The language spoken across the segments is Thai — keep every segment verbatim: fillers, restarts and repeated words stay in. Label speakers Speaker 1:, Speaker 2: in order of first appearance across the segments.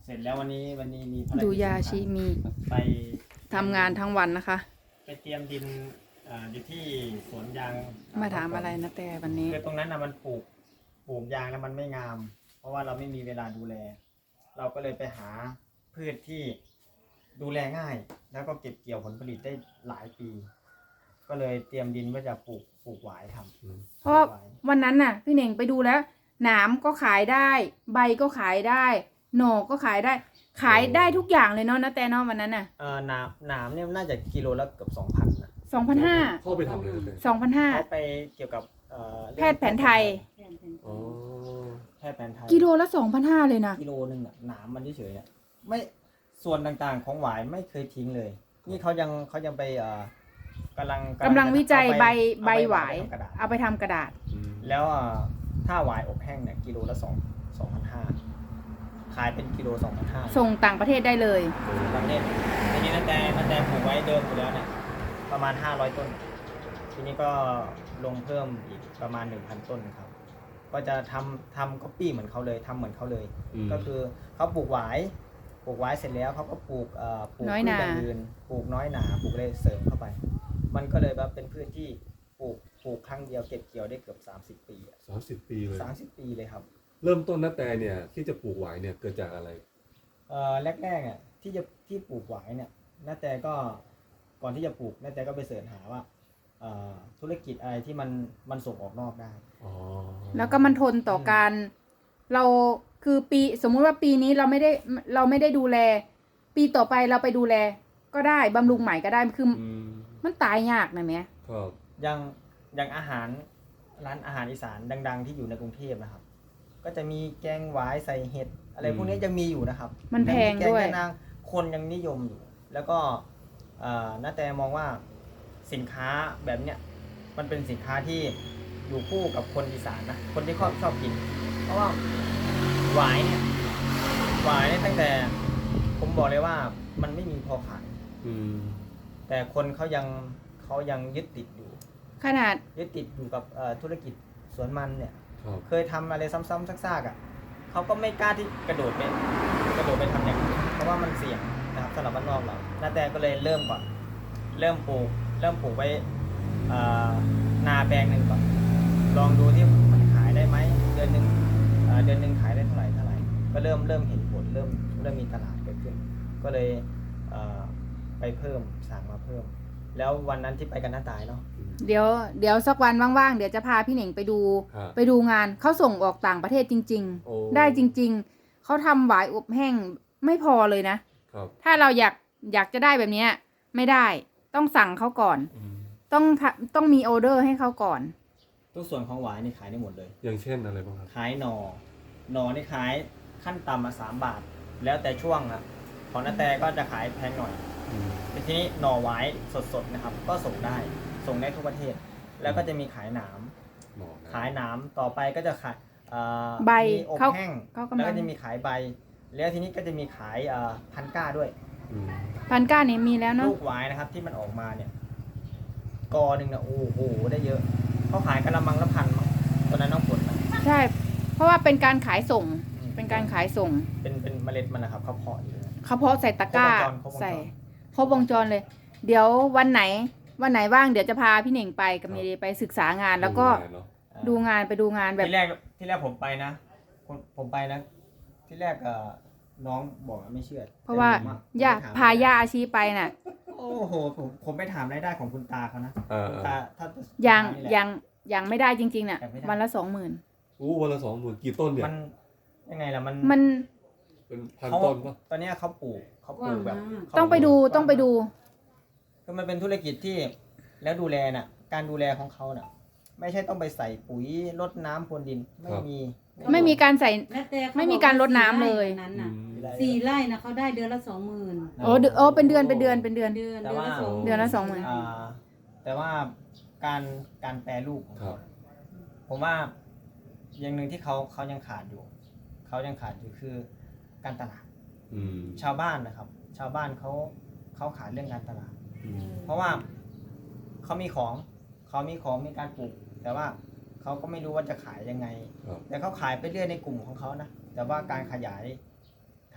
Speaker 1: เสร็จแล้ววันนี้วันนี้มีภารกิจ
Speaker 2: ดูยาชิมี
Speaker 1: ไป
Speaker 2: ทำงานทั้งวันนะคะ
Speaker 1: ไปเตรียมดินอ่าอยู่ที่สวนยาง
Speaker 2: มาถามอะไรนะแต่วันนี้
Speaker 1: คือตรงนั้นนะมันปลูกปลูกยางแล้วมันไม่งาม เพราะว่าเราไม่มีเวลาดูแล เราก็เลยไปหาพืชที่ดูแลง่าย แล้วก็เก็บเกี่ยวผลผลิตได้หลายปี ก็เลยเตรียมดินว่าจะปลูกปลูกหวายทำ
Speaker 2: เพราะวันนั้นน่ะพี่เน่งไปดูแล้วหนามก็ขายได้ ใบก็ขายได้ หน่อก็ขายได้ ขายได้ทุกอย่างเลยเนาะนะแต่เนาะวันนั้นน่ะ
Speaker 1: เอ่อหนามหนามเนี่ยน่าจะกิโลละเกือบสองพันนะ
Speaker 2: สองพันห้า
Speaker 3: เข้าไปทำเลยนะแต่
Speaker 2: สองพันห้า
Speaker 1: เขาไปเกี่ยวกับเอ่อ
Speaker 2: แพทย์แผนไทย
Speaker 3: อ๋อ
Speaker 1: แพทย์แผนไทย
Speaker 2: กิโลละสองพันห้าเลยนะ
Speaker 1: กิโลหนึ่งน่ะหนามมันเฉยๆเนี่ยไม่ส่วนต่างๆของหวายไม่เคยทิ้งเลย นี่เขายังเขายังไปเอ่อกำลัง
Speaker 2: กำลังวิจัย
Speaker 1: เอา
Speaker 2: ใบ
Speaker 1: ไป
Speaker 2: ใบหวาย
Speaker 1: เอไปทำกระดาษ
Speaker 2: เอาไปทำกระดาษ
Speaker 3: อืม
Speaker 1: แล้วอ่ะถ้าหวายอบแห้งเนี่ยกิโลละสองสองพันห้าขายเป็นกิโลสองพันห้า
Speaker 2: ส่งต่างประเทศได้เลย
Speaker 1: ประเทศทีนี้นั่นแต่นั่นแต่ปลูกไว้เดิมอยู่แล้วเนี่ยประมาณห้าร้อยต้น ทีนี้ก็ลงเพิ่มอีกประมาณหนึ่งพันต้นครับ ก็จะทำทำก๊อปปี้เหมือนเขาเลยทำเหมือนเขาเลย
Speaker 3: ม
Speaker 1: ก็คือเขาปลูกหวายปลูกหวายเสร็จแล้วเขาก็ปลูกเอ่อปลูก
Speaker 2: น้อย
Speaker 1: พื
Speaker 2: ห
Speaker 1: ช
Speaker 2: นา
Speaker 1: อย่างอื่นปลูกน้อยหนาปลูกอะไรเสริมเข้าไป มันก็เลยแบบเป็นพืชที่ปลูกปลูกครั้งเดียวเก็บเกี่ยวได้เกือบสามสิบปีอะ
Speaker 3: สามสิบปีเลย
Speaker 1: สามสิบปีเลยครับ
Speaker 3: เริ่มต้นนัแต่เนี่ยที่จะปลูกหวายเนี่ยเกิดจากอะไร
Speaker 1: เอ่อแรกๆอ่ะที่จะที่ปลูกหวายเนี่ยน้าแต่ก็ก่อนที่จะปลูกน้าแต่ก็ไปเสิร์ชหาว่าเอ่อธุรกิจอะไรที่มันมันส่งออกนอกได้
Speaker 3: อ๋อ
Speaker 2: แล้วก็มันทนต่อการเราคือปีสมมุติว่าปีนี้เราไม่ได้เราไม่ได้ดูแล ปีต่อไปเราไปดูแล ก็ได้บำรุงใหม่ก็ได้คือ
Speaker 3: อืม
Speaker 2: มันตายยากนะแม่
Speaker 3: ครับ
Speaker 1: อย่างอย่างอาหารร้านอาหารอีสานดัง ๆ ที่อยู่ในกรุงเทพนะครับ ก็จะมีแกงหวายใส่เห็ดอะไรพวกนี้ยังมีอยู่นะครับ
Speaker 2: มันแพงด้วย
Speaker 1: แกงนางคนยังนิยมอยู่ แล้วก็เอ่อน้าแต่มองว่าสินค้าแบบเนี้ยมันเป็นสินค้าที่อยู่คู่กับคนอีสานนะคนที่ชอบชอบกิน เพราะว่าหวายเนี่ยหวายเนี่ยตั้งแต่ผมบอกเลยว่ามันไม่มีพอขาย
Speaker 3: อืม
Speaker 1: แต่คนเขายังเขายังยึดติดอยู่
Speaker 2: ขนาด
Speaker 1: ยึดติดอยู่กับเอ่อธุรกิจสวนมันเนี่ย
Speaker 3: ครับ
Speaker 1: เคยทำอะไรซ้ำๆซากๆอ่ะเขาก็ไม่กล้าที่กระโดดไปกระโดดไปทำอย่างนี้เพราะว่ามันเสี่ยงนะครับสำหรับบ้านนอกเราน้าแต่ก็เลยเริ่มก่อนเริ่มปลูกเริ่มปลูกไว้เอ่อนาแปลงหนึ่งก่อนลองดูที่มันขายได้ไหมเดือนหนึ่งเอ่อเดือนหนึ่งขายได้เท่าไหร่เท่าไหร่ก็เริ่มเริ่มเห็นผลเริ่มเริ่มมีตลาดเกิดขึ้น ก็เลยเอ่อไปเพิ่มสั่งมาเพิ่ม แล้ววันนั้นที่ไปกันน้าตายเนาะ
Speaker 3: อืม
Speaker 2: เดี๋ยวเดี๋ยวสักวันว่างๆเดี๋ยวจะพาพี่เหน่งไปดู
Speaker 3: ครับ
Speaker 2: ไปดูงานเขาส่งออกต่างประเทศจริง
Speaker 3: โอ้
Speaker 2: ๆ ได้จริง ๆเขาทำหวายอบแห้งไม่พอเลยนะ
Speaker 3: ครับ
Speaker 2: ถ้าเราอยากอยากจะได้แบบเนี้ยไม่ได้ต้องสั่งเขาก่อน
Speaker 3: อืม
Speaker 2: ต้องทะต้องมีออเดอร์ให้เขาก่อน
Speaker 1: ทุกส่วนของหวายนี่ขายได้หมดเลย
Speaker 3: อย่างเช่นอะไรบ้างครับ
Speaker 1: ขายหนอหนอนี่ขายขั้นต่ำมาสามบาท แล้วแต่ช่วงอะของนาแต่ก็จะขายแพงหน่อย
Speaker 3: อืม
Speaker 1: แต่ทีนี้หน่อหวายสดๆนะครับ ก็ส่งได้ส่งได้ทุกประเทศ แล้วก็จะมีขายหนาม
Speaker 3: หมอนะ
Speaker 1: ขายหนามต่อไปก็จะขายเอ่อ
Speaker 2: ใบ
Speaker 1: มีอบ
Speaker 2: เขา
Speaker 1: แห้ง
Speaker 2: เขากำลัง
Speaker 1: แล้วก็จะมีขายใบ แล้วทีนี้ก็จะมีขายเอ่อพันก้าด้วย
Speaker 3: อืม
Speaker 2: พันก้านี่มีแล้วเนาะ
Speaker 1: ลูกหวายนะครับที่มันออกมาเนี่ยกอหนึ่งเนี่ยโอ้โหได้เยอะเขาขายกะละมังละพันมั้งตอนนั้นน้องฝนนะ
Speaker 2: ใช่ เพราะว่าเป็นการขายส่ง เป็นการขายส่ง
Speaker 1: เป็นเป็นเมล็ดมันนะครับเขาเพาะอยู่นะ
Speaker 2: เขาเพาะใส่ตะกร้า
Speaker 1: ครบวงจรครบวงจร
Speaker 2: ใส่ครบวงจรเลย เดี๋ยววันไหน วันไหนว่างเดี๋ยวจะพาพี่เหน่งไปกับเมย์ไปศึกษางาน แล้วก็
Speaker 3: ดูแเนอะ
Speaker 2: ดูงานไปดูงานแบบ
Speaker 1: ที่แรกที่แรกผมไปนะผมผมไปนะ ที่แรกเอ่อน้องบอกว่าไม่เชื่อ
Speaker 2: เพราะว่า
Speaker 1: แต่ผมอะ
Speaker 2: ย่า
Speaker 1: ผมไปถม
Speaker 2: พาย่าอาชีไปน่ะ
Speaker 1: โอ้โหผมผมไปถามรายได้ของคุณตาเขานะ
Speaker 3: เออ
Speaker 1: คุณ
Speaker 3: เอ
Speaker 1: ตา
Speaker 3: อ
Speaker 1: ถ้า
Speaker 2: ยัง
Speaker 1: นี่แหละ
Speaker 2: ยังยังไม่ได้จริงๆน่ะ
Speaker 1: ยังไม่ได้
Speaker 2: วันละสองหมื่น
Speaker 3: อู้วันละสองหมื่นกี่ต้นเนี่ย
Speaker 1: มันยังไงล่ะมัน
Speaker 2: มัน
Speaker 3: เป็นพัน
Speaker 1: เขา
Speaker 3: ต้นปะ
Speaker 1: ตอนเนี้ยเขาปลูกเขาปลูกแบบเขา
Speaker 2: ต้องไปดูต้องไปดู
Speaker 1: คือมันเป็นธุรกิจที่แล้วดูแลน่ะ การดูแลของเขาน่ะ ไม่ใช่ต้องไปใส่ปุ๋ยรดน้ำพรวนดินไม่มี
Speaker 2: ไม่มีการใส่
Speaker 4: แล้วแต่เข
Speaker 2: ไม่มีการรดน้ำเลย
Speaker 4: บอกว่าสี่ไร่นั้น
Speaker 3: อื
Speaker 4: น่ะ
Speaker 3: ม
Speaker 4: สี่ไร่นะเขาได้เดือนละสองหมื่น
Speaker 2: โอ้เดือนโอ้เป็นเดือนเป็นเดือนเป็นเดือน
Speaker 4: เดือน
Speaker 1: แต่
Speaker 4: เดือน
Speaker 1: ว่า
Speaker 4: ละสอง
Speaker 2: เดือนละสองหมื่น
Speaker 1: อ่าแต่ว่าการการแปรรูปของ
Speaker 3: ครั
Speaker 1: เขา
Speaker 3: บ
Speaker 1: ผมว่าอย่างหนึ่งที่เขาเขายังขาดอยู่ เขายังขาดอยู่คือการตลาด
Speaker 3: อืม
Speaker 1: ชาวบ้านนะครับ ชาวบ้านเขาเขาขาดเรื่องการตลาด
Speaker 3: อืม
Speaker 1: เพราะว่าเขามีของเขามีของมีการปลูก แต่ว่าเขาก็ไม่รู้ว่าจะขายยังไง
Speaker 3: ครับ
Speaker 1: แต่เขาขายไปเรื่อยในกลุ่มของเขานะแต่ว่าการขยายขาย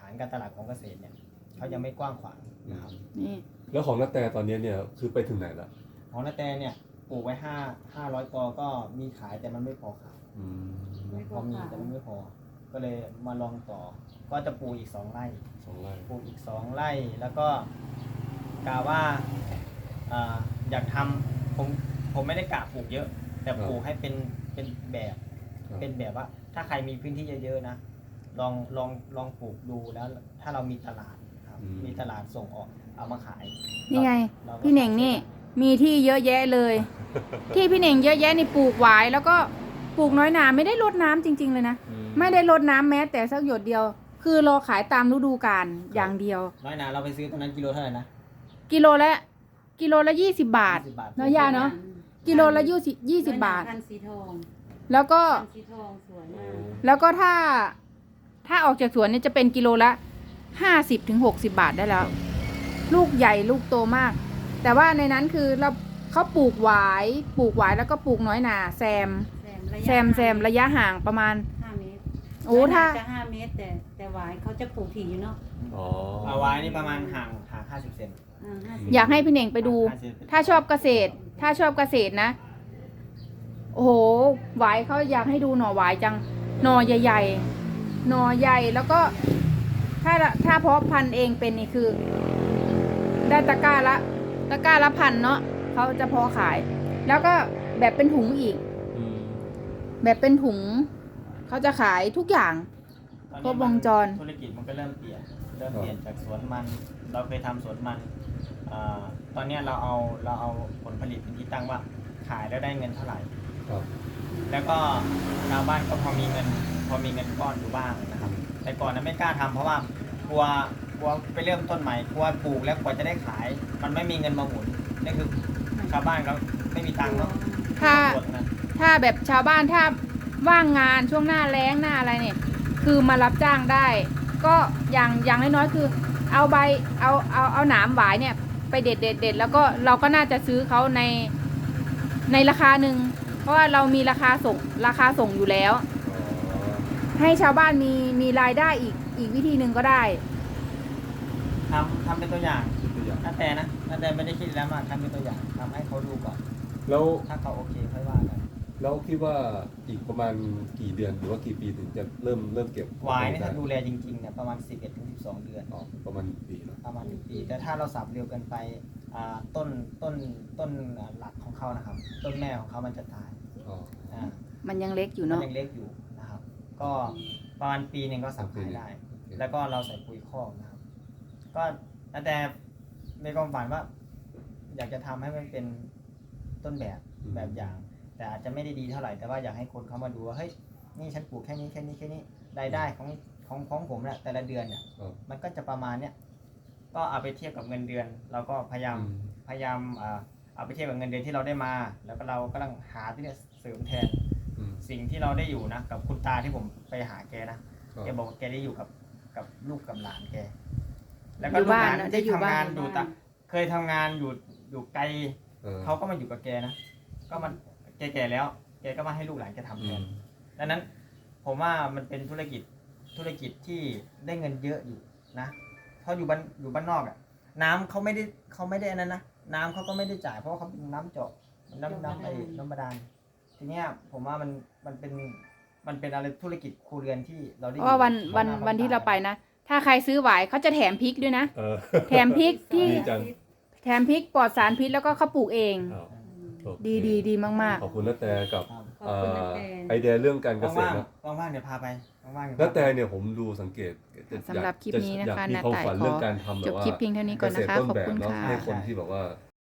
Speaker 1: านการตลาดของเกษตรเนี่ยเขายังไม่กว้างขวางนะครับ
Speaker 2: นี่
Speaker 3: แล้วของนาแตตอนนี้เนี่ยคือไปถึงไหนละ
Speaker 1: ของนาแตเนี่ยปลูกไว้ห้าห้าร้อยกอก็มีขายแต่มันไม่พอขาย
Speaker 3: อืม
Speaker 4: ไม่พ
Speaker 1: พ
Speaker 4: อ
Speaker 1: อมี
Speaker 4: ขาย
Speaker 1: แต่มันไม่พอ ก็เลยมาลองต่อ ก็จะปลูกอีกสองไร่
Speaker 3: สองไร่
Speaker 1: ปลูกอีกสองไร่แล้วก็กะว่าอ่าอยากทำผมผมไม่ได้กะปลูกเยอะ แต่ปลูกให้เป็นเป็นแบบ
Speaker 3: ครับ
Speaker 1: เป็นแบบว่า ถ้าใครมีพื้นที่เยอะๆนะลองลองลองปลูกดูแล้ว ถ้าเรามีตลาดครับมีตลาดส่งออกเอามาขาย
Speaker 2: นี่ไง
Speaker 1: ราก็
Speaker 2: พี่เหน่งนี่มีที่เยอะแยะเลย ที่พี่เหน่งเยอะแยะนี่ปลูกหวายแล้วก็ปลูกน้อยหนาไม่ได้รดน้ำจริง ๆเลยนะ
Speaker 3: อื
Speaker 2: ไม่ได้รดน้ำแม้แต่สักหยดเดียว คือรอขายตามฤดูกาลอย่างเดียว
Speaker 1: น้อยนาเราไปซื้อตอนนั้นกิโลเท่าไหร่นะ
Speaker 2: กิโลละกิโลละยี่สิบบาท
Speaker 1: ยี่สิบบาท
Speaker 2: เนาะย่าเนาะ กิโลละยี่สิบยี่สิบบาท
Speaker 4: พันธุ์สีทอง
Speaker 2: แล้วก็
Speaker 4: พันธุ์สีทองสวยมาก
Speaker 2: แล้วก็ถ้าถ้าออกจากสวนเนี่ยจะเป็นกิโลละห้าสิบถึงหกสิบบาทได้แล้ว ลูกใหญ่ลูกโตมาก แต่ว่าในนั้นคือเราเขาปลูกหวายปลูกหวายแล้วก็ปลูกน้อยหนาแซม
Speaker 4: แซมระยะ
Speaker 2: แซมแซมระยะห่างประมาณ
Speaker 4: ห้าเมตร
Speaker 2: โอ้ถ้า
Speaker 4: จะห้าเมตร แต่แต่หวายเขาจะปลูกถี่อยู่เนาะ
Speaker 3: อ๋อ
Speaker 1: เอาไว้นี่ประมาณห่างห่างห้าสิบเซน
Speaker 4: อ่าห้าสิบ
Speaker 2: อยากให้พี่เน่งไปดู
Speaker 1: ห้สิบ
Speaker 2: ถ้าชอบเกษตร ถ้าชอบเกษตรนะ โอ้โหหวายเขาอยากให้ดูหน่อหวายจัง หน่อใหญ่ๆ หน่อใหญ่แล้วก็ ถ้าถ้าเพาะพันธุ์เองเป็นนี่คือ ได้ตะกร้าละ ตะกร้าละพันเนาะเขาจะเพาะขาย แล้วก็แบบเป็นถุงอีก
Speaker 3: อืม
Speaker 2: แบบเป็นถุง เขาจะขายทุกอย่าง
Speaker 1: ตอน
Speaker 2: คร
Speaker 1: นี้
Speaker 2: บวงจร
Speaker 1: ธุรกิจมันก็เริ่มเปลี่ยน เริ่มเปลี่ยนจากสวนมัน เราเคยทำสวนมันอาตอนเนี้ยเราเอาเราเอาผลผลิตเป็นที่ตั้งว่าขายแล้วได้เงินเท่าไหร่
Speaker 3: ครับ
Speaker 1: แล้วก็ชาวบ้านก็พอมีเงินพอมีเงินก้อนอยู่บ้างนะครับ แต่ก่อนนั้นไม่กล้าทำเพราะว่ากลัวกลัวไปเริ่มต้นใหม่กลัวปลูกแล้วกว่าจะได้ขาย มันไม่มีเงินมาหมุนนี่คือชาวบ้านเขาไม่มีตังค์เนาะ
Speaker 2: ถ้า
Speaker 1: ปวดนะ
Speaker 2: ถ้าแบบชาวบ้านถ้าว่างงานช่วงหน้าแล้งหน้าอะไรเนี่ย คือมารับจ้างได้ ก็อย่างอย่างน้อยๆคือ เอาใบเอาเอาเอาหนามหวายเนี่ย ไปเด็ดเด็ดเด็ดแล้วก็เราก็น่าจะซื้อเขาในในราคาหนึ่งเพราะว่าเรามีราคาส่งราคาส่งอยู่แล้ว
Speaker 3: อ๋อ
Speaker 2: ให้ชาวบ้านมีมีรายได้อีกอีกวิธีหนึ่งก็ได้
Speaker 1: ทำทำเป็นตัวอย่าง
Speaker 3: ตัวอย่าง
Speaker 1: นาแต่นะนาแต่ไม่ได้คิดแล้วมากทำเป็นตัวอย่างทำให้เขาดูก่อน
Speaker 3: แล้ว
Speaker 1: ถ้าเขาโอเคค่อยว่ากัน
Speaker 3: แล้วคิดว่าอีกประมาณกี่เดือนหรือว่ากี่ปีถึงจะเริ่มเริ่มเก็บ
Speaker 1: วายนี่ถ้าดูแลจริงๆเนี่ยประมาณสิบเอ็ดถึงสิบสองเดือน
Speaker 3: อ๋อประมาณปีเนอะ
Speaker 1: ประมาณหนึ่งปี แต่ถ้าเราสับเร็วเกินไปอ่าต้นต้นต้นหลักของเขานะครับ ต้นแม่ของเขามันจะตาย
Speaker 3: อ๋อ
Speaker 1: อ่า
Speaker 2: มันยังเล็กอยู่
Speaker 1: มัน
Speaker 2: เนาะ
Speaker 1: ยังเล็กอยู่นะครับ ก็ประมาณปีหนึ่งก็สับขายได้ แล้วก็เราใส่ปุ๋ยคอกนะครับ ก็แต่ในความฝันว่า อยากจะทำให้มันเป็นต้นแบบแบบอย่าง แต่อาจจะไม่ได้ดีเท่าไหร่แต่ว่าอยากให้คนเขามาดูว่าเฮ้ยนี่ฉันปลูกแค่นี้แค่นี้แค่นี้รายได้ของของของผมเนี่ยแต่ละเดือนเนี่ย
Speaker 3: ครับ
Speaker 1: มันก็จะประมาณเนี้ยก็เอาไปเทียบกับเงินเดือน เราก็พยายาม
Speaker 3: อืม
Speaker 1: พยายามอ่าเอาไปเทียบกับเงินเดือนที่เราได้มา แล้วก็เรากำลังหาที่จะเสริมแทน
Speaker 3: อืม
Speaker 1: สิ่งที่เราได้อยู่นะกับคุณตาที่ผมไปหาแกนะ
Speaker 3: ครับ
Speaker 1: แกบอกว่าแกได้อยู่กับกับลูกกับหลานแก แล้วก็
Speaker 2: อยู่
Speaker 1: ลูก
Speaker 2: บ้า
Speaker 1: ห
Speaker 2: น
Speaker 1: ลาน
Speaker 2: นะได้
Speaker 1: ที่
Speaker 2: อยู่
Speaker 1: ทำ
Speaker 2: บ้าน
Speaker 1: งานอยู่ต่างเคยทำงานอยู่อยู่ไกล
Speaker 3: เออ
Speaker 1: เขาก็มาอยู่กับแกนะ ก็มันแก่ๆแล้ว แกก็มาให้ลูกหลานแกทำแท
Speaker 3: อื
Speaker 1: น
Speaker 3: ม
Speaker 1: ดังนั้นผมว่ามันเป็นธุรกิจธุรกิจที่ได้เงินเยอะอยู่นะเพราะอยู่บ้านอยู่บ้านนอกอ่ะ น้ำเขาไม่ได้เขาไม่ได้อันนั้นนะน้ำเขาก็ไม่ได้จ่ายเพราะว่าเขาเป็นน้ำเจาะน้ำน้ำไอ้น้ำบาดาลทีเนี้ยผมว่ามันมันเป็นมันเป็นอะไรธุรกิจครัวเรือนที่เราได้
Speaker 2: เพราะว่าวัน
Speaker 1: อยู่
Speaker 2: วัน
Speaker 1: บ้า
Speaker 2: วันที่เราไปนะ ถ้าใครซื้อหวายเขาจะแถมพริกด้วยนะ
Speaker 3: เออ
Speaker 2: แถมพริกที่
Speaker 3: ดีจัง
Speaker 2: แถมพริกปลอดสารพิษแล้วก็เขาปลูกเอง
Speaker 3: อ้าวโอเค
Speaker 2: ดีดีดีมาก
Speaker 3: ขอบคุณนาแตกับ
Speaker 1: ครับ
Speaker 4: ขอบคุณนะแต
Speaker 3: ไอเดียเรื่องการเกษต
Speaker 1: ว่าร ง
Speaker 3: นะ
Speaker 1: ๆว่างๆเดี๋ยวพาไปว่างๆเดี๋ยว
Speaker 3: นา
Speaker 1: พา
Speaker 3: แต
Speaker 1: ไป
Speaker 3: เนี่ยผมดูสังเกต
Speaker 2: ๆสำหรับคลิปนี้นะคะ
Speaker 3: อยากมี
Speaker 2: นา
Speaker 3: ความ
Speaker 2: ต่าย
Speaker 3: ฝัน
Speaker 2: ข
Speaker 3: เรื่
Speaker 2: อ
Speaker 3: องการทำแบ
Speaker 2: จ
Speaker 3: บบ ว่า
Speaker 2: คลิปเพียงเท่านี้ก่อนนะคะ
Speaker 3: เกษตรต้
Speaker 2: ขอบ
Speaker 3: แบบ
Speaker 2: คุณ
Speaker 3: เนาะ
Speaker 2: ค่ะ
Speaker 3: ให้คนที่แบบว่า